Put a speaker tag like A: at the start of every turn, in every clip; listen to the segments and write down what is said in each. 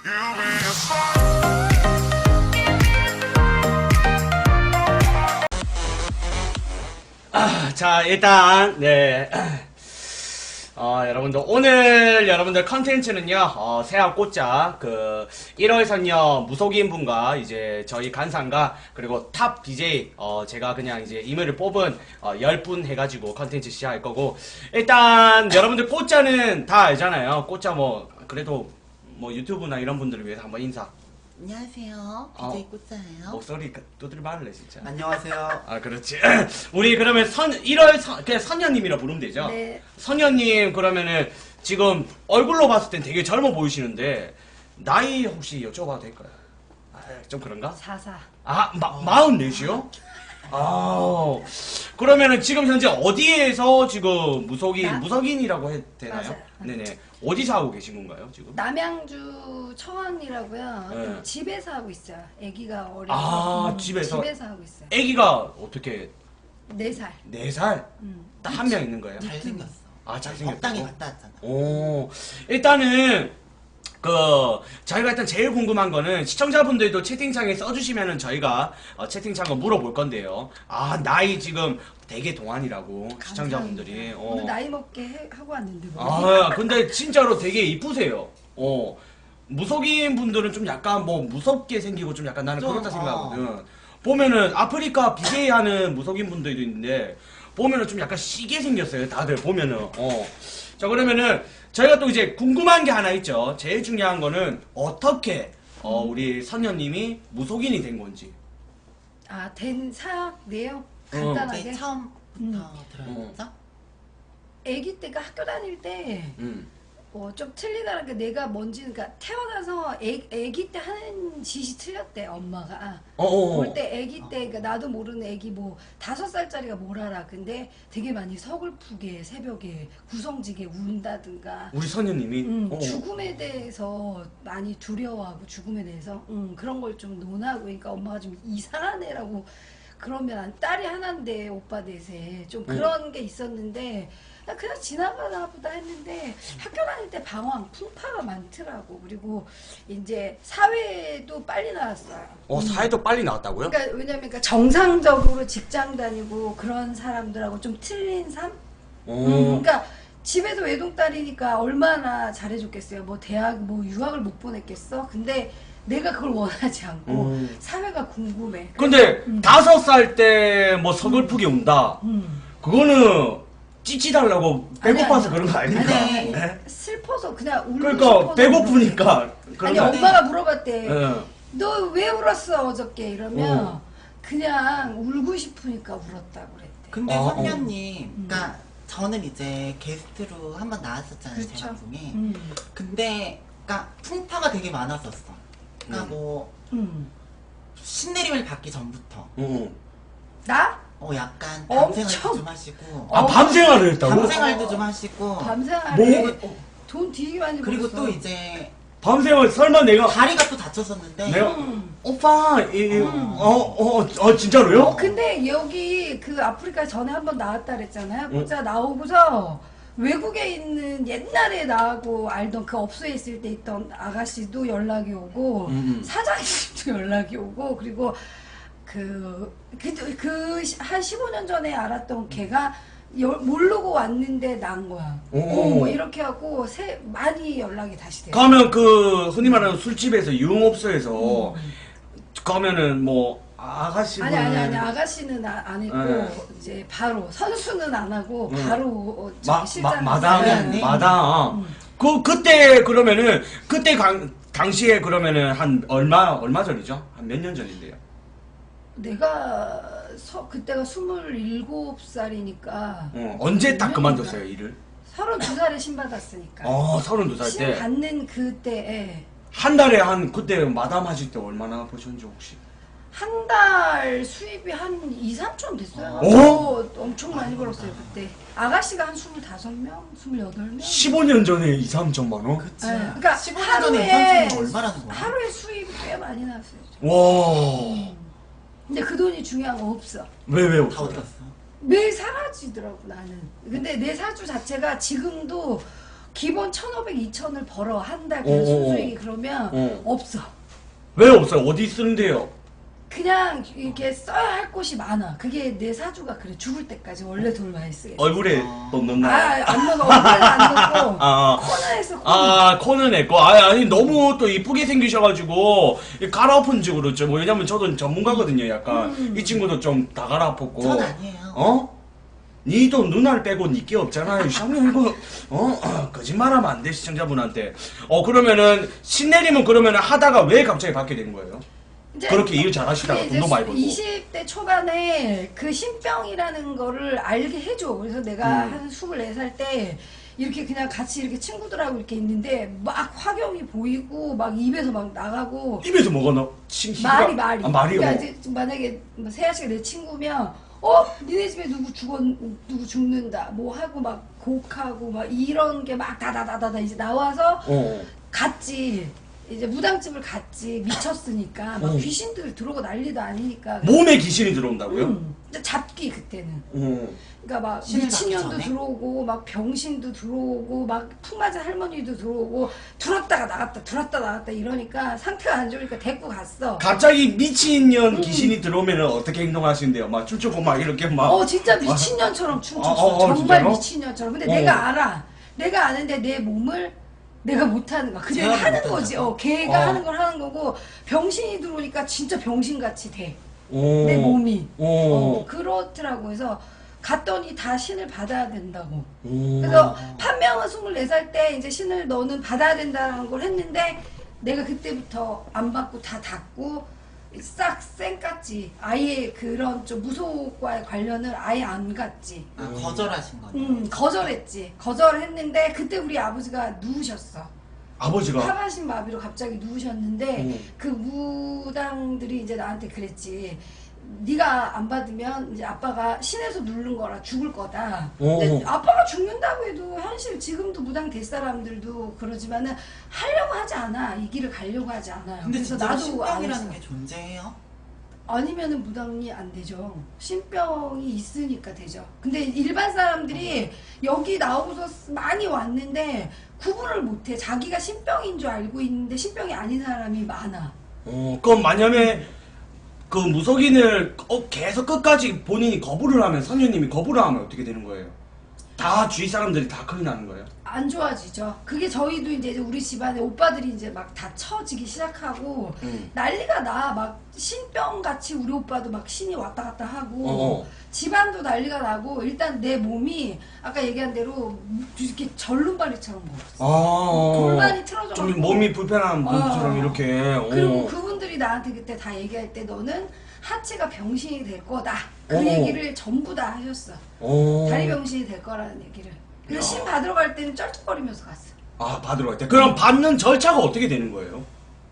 A: 자, 일단, 네. 여러분들, 오늘 여러분들 컨텐츠는요, 새학 꽃자, 1월 선녀 무속인 분과 이제 저희 간상과, 그리고 탑 BJ, 제가 그냥 이제 이메일을 뽑은, 10분 해가지고 컨텐츠 시작할 거고, 일단, 여러분들 꽃자는 다 알잖아요. 꽃자 그래도, 유튜브나 이런 분들을 위해서 한번 인사.
B: 안녕하세요. BJ 꽃자예요.
A: 목소리 두드려말래 진짜.
B: 안녕하세요.
A: 아, 그렇지. 우리 그러면 1월 그냥 선녀님이라 부르면 되죠?
B: 네.
A: 선녀님 그러면은 지금 얼굴로 봤을 땐 되게 젊어 보이시는데 나이 혹시 여쭤봐도 될까요? 아, 좀 그런가?
B: 44.
A: 아, 44이요? 아, 그러면은 지금 현재 어디에서 지금 무속인이라고 해도 되나요?
B: 맞아요.
A: 네네. 어디서 하고 계신 건가요, 지금?
B: 남양주 청왕리라고요.
A: 네.
B: 집에서 하고 있어요. 아기가 어려서.
A: 아, 집에서
B: 하고 있어요.
A: 아기가 어떻게
B: 4살.
A: 4살? 딱 한 명 있는 거예요?
C: 잘생겼어.
A: 아, 잘생겼다고?
C: 법당에 갔다 왔잖아.
A: 오, 일단은 저희가 일단 제일 궁금한 거는 시청자분들도 채팅창에 써주시면은 저희가 채팅창을 물어볼 건데요. 아, 나이 지금 되게 동안이라고 시청자분들이.
B: 오늘 나이 먹게 하고 왔는데 뭐.
A: 아, 근데 진짜로 되게 이쁘세요. 무속인 분들은 좀 약간 무섭게 생기고 좀 약간 나는
C: 좀,
A: 그렇다 생각하거든. 보면은 아프리카 BJ 하는 무속인 분들도 있는데 보면은 좀 약간 시게 생겼어요. 다들 보면은. 자, 그러면은 저희가 또 이제 궁금한 게 하나 있죠. 제일 중요한 거는 어떻게 우리 선녀님이 무속인이 된 건지.
B: 아, 된 사역 내용
C: 네,
B: 간단하게.
C: 처음부터 들어야겠죠?
B: 아기 때가 학교 다닐 때 좀 틀리다는 게 내가 그러니까 태어나서 아기 때 하는 짓이 틀렸대, 엄마가. 볼 때 아기 때, 그러니까 나도 모르는 아기 5살짜리가 뭘 알아. 근데 되게 많이 서글프게 새벽에 구성지게 운다든가.
A: 우리 선녀님이
B: 죽음에 대해서 많이 두려워하고 죽음에 대해서 그런 걸 좀 논하고, 그러니까 엄마가 좀 이상한 애라고 그러면 딸이 하나인데 오빠 넷에 좀 그런 게 있었는데 나 그냥 지나가나 보다 했는데 학교 다닐 때 방황, 풍파가 많더라고. 그리고 이제 사회도 빨리 나왔어요.
A: 사회도 빨리 나왔다고요?
B: 그러니까 왜냐면 정상적으로 직장 다니고 그런 사람들하고 좀 틀린 삶? 그러니까 집에서 외동딸이니까 얼마나 잘해줬겠어요. 대학 유학을 못 보냈겠어? 근데 내가 그걸 원하지 않고 사회가 궁금해.
A: 근데 5살 때 서글프게 운다. 그거는 찌찌달라고 배고파서 그런 거 아닙니까?
B: 아니,
A: 네?
B: 슬퍼서 그냥 울고
A: 그러니까
B: 싶어서
A: 배고프니까 그런
B: 아니
A: 거 아니에요?
B: 엄마가 물어봤대.
A: 예.
B: 너 왜 울었어 어저께? 이러면 그냥 울고 싶으니까 울었다고 그랬대.
C: 근데
A: 아,
C: 선녀님, 그러니까 저는 이제 게스트로 한번 나왔었잖아요, 제
B: 그렇죠.
C: 방송에.
B: 음.
C: 근데 그러니까 풍파가 되게 많았었어. 그러니까 신내림을 받기 전부터
B: 나?
C: 약간
B: 엄청.
C: 밤생활도 좀 하시고
A: 아, 밤생활을 했다고?
C: 밤생활도 좀 하시고
B: 밤생활에 돈 되게 많이
C: 그리고
B: 벌었어.
C: 또 이제
A: 밤생활 설마 내가
C: 다리가 또 다쳤었는데
A: 내가 오빠 진짜로요?
B: 근데 여기 아프리카 전에 한번 나왔다 그랬잖아요. 진짜 나오고서 외국에 있는 옛날에 나하고 알던 그 업소에 있을 때 있던 아가씨도 연락이 오고 사장님도 연락이 오고 그리고 한 15년 전에 알았던 걔가 모르고 왔는데 난 거야. 이렇게 하고 많이 연락이 다시 돼요.
A: 가면 흔히 말하는 술집에서 유흥업소에서 가면은 아가씨분
B: 아니 아가씨는 안 했고 이제 바로 선수는 안 하고 바로 실장
A: 마당 그때 그러면은 당시에 그러면은 한 얼마 전이죠? 한 몇 년 전인데요?
B: 내가 그때가 27살이니까
A: 언제 딱 그만뒀어요 일을?
B: 32살에 신 받았으니까
A: 32살
B: 신
A: 때
B: 받는 그때에
A: 한 달에 그때 마담 하실 때 얼마나 버셨는지 혹시?
B: 한 달 수입이 한 2, 3천 됐어요. 엄청 많이 벌었어요 그때. 아가씨가 한 25명? 28명?
A: 15년 전에 2, 3천만 원?
C: 그치.
B: 네, 그러니까
C: 15년 전에 2,300만 얼마라는 거야?
B: 하루에 수입이 꽤 많이 나왔어요.
A: 와.
B: 근데 그 돈이 중요한 거 없어.
A: 왜
C: 다 어디
A: 없어요?
C: 갔어?
B: 매일 사라지더라고 나는. 근데 내 사주 자체가 지금도 기본 1,500, 2,000을 벌어 한 달 그래서 순수익이 그러면 없어.
A: 왜 없어요? 어디 쓰는데요?
B: 그냥 이렇게 써야 할 곳이 많아. 그게 내 사주가 그래. 죽을 때까지 원래 돈 많이 쓰게.
A: 얼굴에 돈 넣나?
B: 안 넣어. 얼굴에 안 넣고
A: 아.
B: 코너에서
A: 코는 냈고 아니 너무 또 이쁘게 생기셔가지고 갈아엎은 지 그렇죠. 뭐 왜냐면 저도 전문가거든요. 약간 이 친구도 좀 다 갈아엎었고.
C: 전 아니에요.
A: 어? 니도 누나를 빼고 니께 없잖아요. 샤미 이거 거짓말하면 안 돼 시청자분한테. 그러면은 신내림은 그러면은 하다가 왜 갑자기 받게 된 거예요?
B: 이제
A: 그렇게 일 잘하시다가
B: 이제
A: 돈도 많이 벌고.
B: 20대 초반에 그 신병이라는 거를 알게 해줘. 그래서 내가 한 24살 때 이렇게 그냥 같이 이렇게 친구들하고 이렇게 있는데 막 화경이 보이고 막 입에서 막 나가고
A: 입에서 뭐가 나?
B: 말이
A: 아, 말이요.
B: 그러니까 이제 만약에 뭐 세아 씨가 내 친구면 니네 집에 누구 죽는다 뭐 하고 막 곡하고 막 이런 게 막 다다다다다 이제 나와서 갔지. 이제 무당집을 갔지. 미쳤으니까 막 귀신들 들어오고 난리도 아니니까.
A: 몸에 귀신이 들어온다고요?
B: 근데 잡기 그때는. 그러니까 막
C: 신을
B: 미친년도
C: 받기 전에?
B: 들어오고 막 병신도 들어오고 막 풍맞은 할머니도 들어오고 들었다가 나갔다 이러니까 상태가 안 좋으니까 데리고 갔어.
A: 갑자기 미친년 귀신이 들어오면은 어떻게 행동하시는데요? 막 춤추고 막 이렇게 막.
B: 진짜 미친년처럼 춤췄어. 정말
A: 진짜로?
B: 미친년처럼. 근데 내가 알아. 내가 아는데 내 몸을 내가 못하는 거야. 그냥
C: 제가
B: 하는 거지. 걔가
A: 어.
B: 하는 걸 하는 거고 병신이 들어오니까 진짜 병신같이 돼.
A: 오.
B: 내 몸이.
A: 오.
B: 그렇더라고. 그래서 갔더니 다 신을 받아야 된다고.
A: 오.
B: 그래서 판명은 24살 때 이제 신을 너는 받아야 된다는 걸 했는데 내가 그때부터 안 받고 다 닫고 싹 쌩깠지. 아예 그런 좀 무속과의 관련을 아예 안 갔지.
C: 거절하신 거네.
B: 거절했지. 거절했는데 그때 우리 아버지가 누우셨어.
A: 아버지가.
B: 하반신 마비로 갑자기 누우셨는데 그 무당들이 이제 나한테 그랬지. 네가 안 받으면 이제 아빠가 신에서 누른 거라 죽을 거다. 근데 아빠가 죽는다고 해도 현실 지금도 무당 될 사람들도 그러지만은 하려고 하지 않아. 이 길을 가려고 하지 않아요.
C: 근데
B: 그래서
C: 진짜
B: 나도
C: 신병이라는
B: 안
C: 게
B: 했어.
C: 존재해요?
B: 아니면은 무당이 안 되죠. 신병이 있으니까 되죠. 근데 일반 사람들이 여기 나오고서 많이 왔는데 구분을 못해. 자기가 신병인 줄 알고 있는데 신병이 아닌 사람이 많아.
A: 그럼 만약에 그 무속인을 계속 끝까지 본인이 거부를 하면 선녀님이 거부를 하면 어떻게 되는 거예요? 다 주위 사람들이 다 큰일 나는 거예요?
B: 안 좋아지죠. 그게 저희도 이제 우리 집안에 오빠들이 이제 막 다 처지기 시작하고 난리가 나. 막 신병 같이 우리 오빠도 막 신이 왔다 갔다 하고 집안도 난리가 나고 일단 내 몸이 아까 얘기한 대로 이렇게 절름발이처럼 먹었어. 골반이 틀어져.
A: 좀 몸이 불편한 분처럼 이렇게.
B: 그리고 그분들이 나한테 그때 다 얘기할 때 너는 하체가 병신이 될 거다. 그
A: 어.
B: 얘기를 전부 다 하셨어. 다리 병신이 될 거라는 얘기를. 그래서 신 받으러 갈 때는 쩔뚝거리면서 갔어.
A: 아, 받으러 갈 때. 그럼 받는 절차가 어떻게 되는 거예요?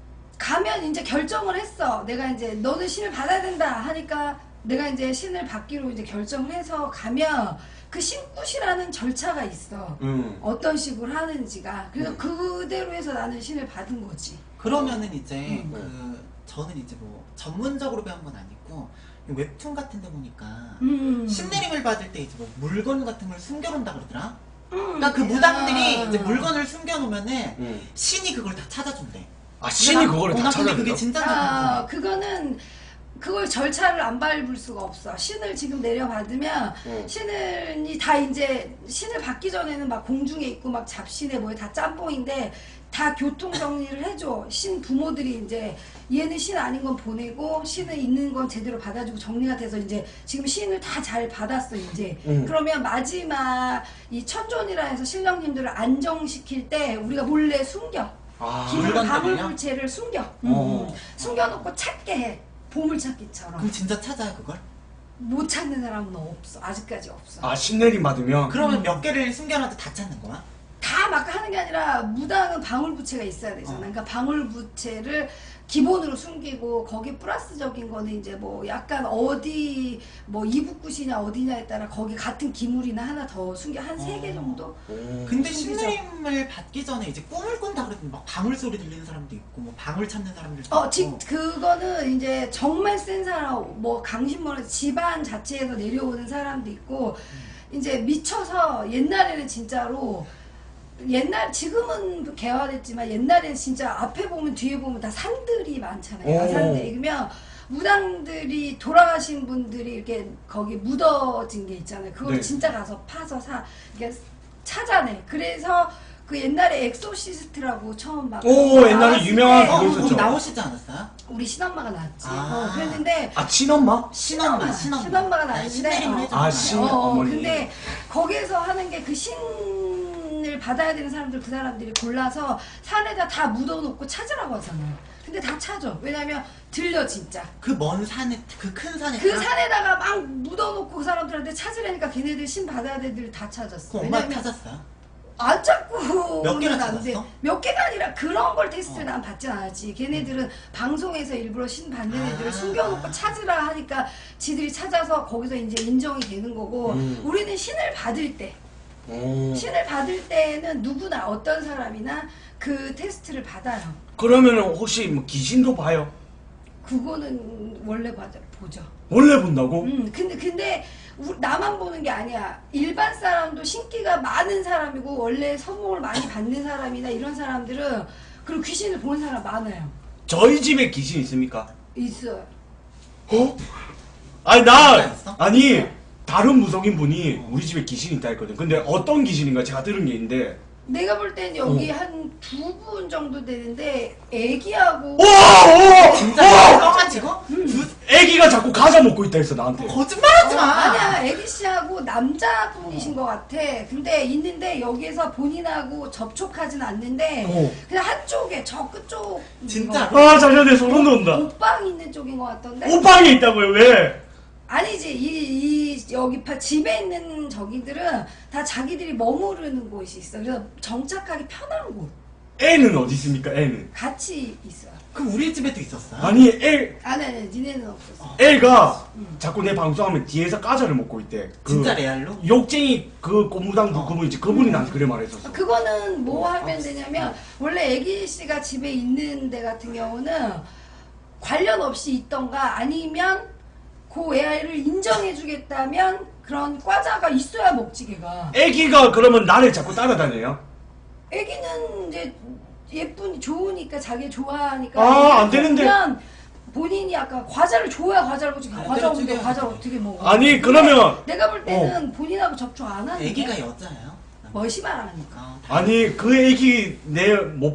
B: 가면 이제 결정을 했어. 내가 이제 너는 신을 받아야 된다 하니까 내가 이제 신을 받기로 이제 결정을 해서 가면 그 신굿이라는 절차가 있어. 어떤 식으로 하는지가. 그래서 그대로 해서 나는 신을 받은 거지.
C: 그러면은 이제 저는 이제 뭐 전문적으로 배운 건 아니고 웹툰 같은 데 보니까 신내림을 받을 때 이제 뭐 물건 같은 걸 숨겨놓는다 그러더라. 그러니까 그 무당들이 이제 물건을 숨겨놓으면은 신이 그걸 다 찾아준대.
A: 아, 신이 그거를 다
C: 나 근데 그게
A: 찾아준다?
C: 진짜
B: 그거는 그걸 절차를 안 밟을 수가 없어. 신을 지금 내려받으면 신을 다 이제 신을 받기 전에는 막 공중에 있고 막 잡신에 뭐에 다 짬뽕인데 다 교통 정리를 해줘. 신 부모들이 이제 얘는 신 아닌 건 보내고 신을 있는 건 제대로 받아주고 정리가 돼서 이제 지금 신을 다 잘 받았어 이제. 그러면 마지막 이 천존이라 해서 신령님들을 안정시킬 때 우리가 몰래 숨겨. 기본
C: 물건들을요?
B: 가물물체를 숨겨. 숨겨놓고 찾게 해. 보물찾기처럼.
C: 그럼 진짜 찾아요 그걸?
B: 못 찾는 사람은 없어. 아직까지 없어.
A: 아, 신내림 받으면?
C: 그러면 몇 개를 숨겨놔도 다 찾는 거야?
B: 다 막 하는 게 아니라 무당은 방울부채가 있어야 되잖아. 그러니까 방울부채를 기본으로 숨기고 거기 플러스적인 거는 이제 뭐 약간 어디 뭐 이북굿이냐 어디냐에 따라 거기 같은 기물이나 하나 더 숨겨 한 3개 정도.
C: 근데 신내림을 받기 전에 이제 꿈을 꾼다 그러더니 막 방울 소리 들리는 사람도 있고 뭐 방울 찾는 사람들도 있고.
B: 그거는 이제 정말 센 사람 뭐 강신머리 집안 자체에서 내려오는 사람도 있고 이제 미쳐서 옛날에는 진짜로 옛날 지금은 개화됐지만 옛날엔 진짜 앞에 보면 뒤에 보면 다 산들이 많잖아요.
A: 오.
B: 산들이 그러면 무당들이 돌아가신 분들이 이렇게 거기 묻어진 게 있잖아요. 그걸
A: 네.
B: 진짜 가서 파서 이렇게 찾아내. 그래서 그 옛날에 엑소시스트라고 처음 막
A: 오, 옛날에
B: 나왔을
A: 유명한
B: 때
A: 그거
C: 거기
A: 있었죠.
C: 나오시지 않았어요?
B: 우리 친엄마가 나왔지.
C: 아.
B: 그랬는데
A: 아, 친엄마?
C: 신엄마.
B: 신엄마가 나왔는데
C: 신내림을 해줬잖아요.
A: 아, 신- 어머니.
B: 근데 거기에서 하는 게 그 신을 받아야 되는 사람들 그 사람들이 골라서 산에다 다 묻어놓고 찾으라고 하잖아요. 근데 다 찾아. 왜냐면 들려 진짜.
C: 그 먼 산에 그 큰 산에
B: 그 산에다가 막 묻어놓고 그 사람들한테 찾으려니까 걔네들 신 받아야 될 애들 다 찾았어.
C: 그 엄마
B: 왜냐면
C: 찾았어요?
B: 안 찾고
C: 몇 개나
B: 안 돼.
C: 찾았어?
B: 몇 개가 아니라 그런 걸 테스트를 난 받진 않았지. 걔네들은 방송에서 일부러 신 받는 애들을 숨겨놓고 찾으라 하니까 지들이 찾아서 거기서 이제 인정이 되는 거고 우리는 신을 받을 때 신을 받을 때는 누구나 어떤 사람이나 그 테스트를 받아요.
A: 그러면은 혹시 뭐 귀신도 봐요?
B: 그거는 원래 보죠.
A: 원래 본다고?
B: 근데 나만 보는 게 아니야. 일반 사람도 신기가 많은 사람이고 원래 선몽을 많이 받는 사람이나 이런 사람들은 그리고 귀신을 보는 사람 많아요.
A: 저희 집에 귀신 있습니까?
B: 있어요.
A: 어? 아니 나
C: 있어?
A: 아니 다른 무속인 분이 우리 집에 귀신 있다 했거든. 근데 어떤 귀신인가 제가 들은 게 있는데.
B: 내가 볼 땐 여기 한 2분 정도 되는데 애기하고
A: 오!
C: 진짜 뻥만 치고?
A: 애기가 자꾸 과자 먹고 있다 했어 나한테.
C: 거짓말하지 마.
B: 아니야 애기 씨하고 남자분이신 것 같아. 근데 있는데 여기에서 본인하고 접촉하진 않는데 그냥 한쪽에 저 끝쪽
C: 진짜로?
A: 아 잠시만 내 소름 돋는다.
B: 옷방 있는 쪽인 것 같던데.
A: 옷방에 있다고요? 왜?
B: 아니지 이 여기 집에 있는 저기들은 다 자기들이 머무르는 곳이 있어. 그래서 정착하기 편한 곳
A: 애는 어디 있습니까? 애는
B: 같이 있어.
C: 그럼 우리 집에도 있었어요?
A: 아니 애
B: 아니 니네는 없었어.
A: 애가 자꾸 내 방송하면 뒤에서 과자를 먹고 있대. 그
C: 진짜 레알로?
A: 욕쟁이 그 고무당 그분 있지 그분이 나한테 그래 말했었어.
B: 그거는 뭐 하면 되냐면 원래 애기 씨가 집에 있는 데 같은 경우는 관련 없이 있던가 아니면 그 애를 인정해주겠다면 그런 과자가 있어야 먹지 걔가.
A: 애기가 그러면 나를 자꾸 따라다녀요?
B: 애기는 이제 좋으니까 자기 좋아하니까.
A: 아, 안 되는데.
B: 그러면 본인이 아까 과자를 줘야 과자를 먹지. 과자 없는데
C: 죽여야지.
B: 과자를 어떻게 먹어?
A: 아니,
B: 근데
A: 그러면-
B: 내가 볼 때는 본인하고 접촉 안 하는
C: 애기가 여자예요?
B: 멋이 말하니까.
A: 아니 그 애기 내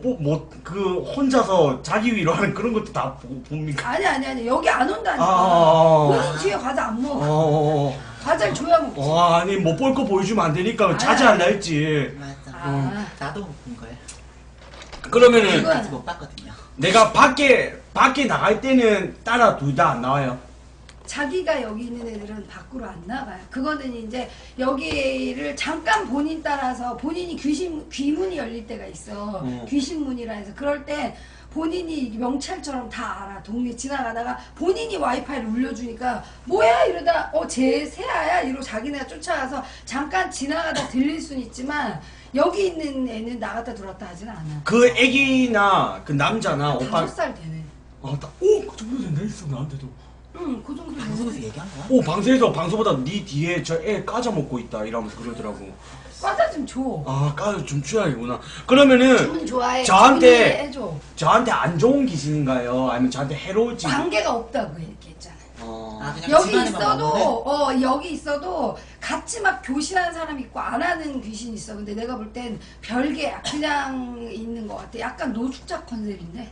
A: 그 혼자서 자기 위로 하는 그런 것도 다 봅니까?
B: 아니 여기 안 온다니까.
A: 아.
B: 본인 뒤에 과자 안 먹어.
A: 어.
B: 과자를 줘야 먹지.
A: 아니 못 볼 거 보여주면 안 되니까 자제한다 했지.
C: 맞아.
B: 아.
C: 나도 못 본 거예요.
A: 그러면은
B: 이건-
C: 아직 못 봤거든요.
A: 내가 밖에 나갈 때는 따라 둘 다 안 나와요.
B: 자기가 여기 있는 애들은 밖으로 안 나가요. 그거는 이제 여기를 잠깐 본인 따라서 본인이 귀문이 열릴 때가 있어. 귀신문이라 해서 그럴 때 본인이 명찰처럼 다 알아. 동네 지나가다가 본인이 와이파이를 울려주니까 뭐야 이러다 쟤 세아야 이러고 자기네가 쫓아가서 잠깐 지나가다 들릴 순 있지만 여기 있는 애는 나갔다 들어왔다 하진 않아.
A: 그 애기나 그 남자나 오빠
B: 5살 되네.
A: 그 정도 된다 했어 나한테도.
B: 응, 그 정도
C: 방송에서
B: 되네.
C: 얘기한 거야?
A: 방송에서 방송보다 네 뒤에 저 애 까자 먹고 있다 이러면서 그러더라고.
B: 과자 좀 줘.
A: 까자 좀 줘야겠구나. 그러면은
B: 주문 좋아해.
A: 저한테-
B: 주문이 해줘.
A: 저한테 안 좋은 귀신인가요? 아니면 저한테 해로울지?
B: 관계가 없다고 얘기했잖아.
C: 아, 그냥
B: 여기
C: 집안에만
B: 있어도
C: 먹는?
B: 여기 있어도 같이 막 교신하는 사람 있고 안 하는 귀신 있어. 근데 내가 볼 땐 별개야. 그냥 있는 것 같아. 약간 노숙자 컨셉인데.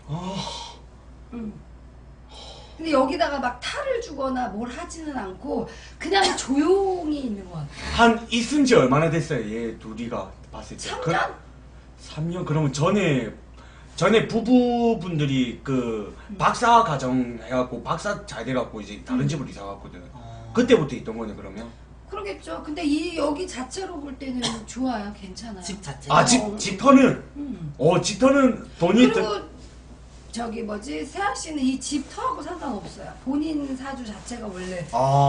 B: 응. 근데 여기다가 막 탈을 주거나 뭘 하지는 않고 그냥 조용히 있는 것 같아.
A: 한 있은 지 얼마나 됐어요? 얘 둘이가 봤을 때.
B: 3년?
A: 3년? 그러면 전에 부부분들이 그 박사 가정 해갖고 박사 잘 돼갖고 이제 다른 집으로 이사 갔거든. 그때부터 있던 거네 그러면?
B: 그러겠죠. 근데 여기 자체로 볼 때는 좋아요. 괜찮아요.
C: 집 자체.
A: 집터는? 집터는 돈이
B: 그리고 세아 씨는 이 집터하고 상관없어요. 본인 사주 자체가 원래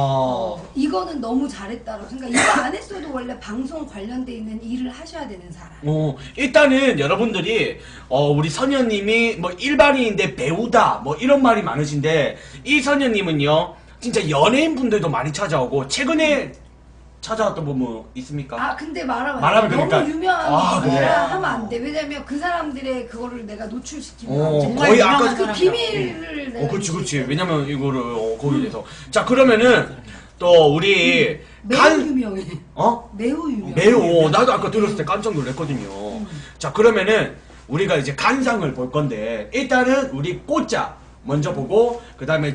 B: 이거는 너무 잘했다고 생각. 이거 안 했어도 원래 방송 관련돼 있는 일을 하셔야 되는 사람.
A: 일단은 여러분들이 우리 선녀님이 뭐 일반인인데 배우다 뭐 이런 말이 많으신데 이 선녀님은요 진짜 연예인 분들도 많이 찾아오고 최근에 찾아왔던 부분 있습니까?
B: 아 근데 말하면
A: 말하면
B: 너무
A: 그러니까.
B: 유명한
A: 아,
B: 분이라
A: 그래?
B: 하면 안 돼. 왜냐면 그 사람들의 그거를 내가 노출시키면
C: 정말
A: 거의
C: 유명한
A: 아까
B: 그
C: 사람이라고.
B: 비밀을 내가
A: 그렇지, 그렇지.
B: 이제
A: 왜냐면 이거를 거기에 대해서. 자, 그러면은 또 우리
B: 매우 유명해. 매우 유명해.
A: 매우 나도 아까 들었을 때 깜짝 놀랐거든요. 자, 그러면은 우리가 이제 간상을 볼 건데 일단은 우리 꽃자 먼저 보고 그다음에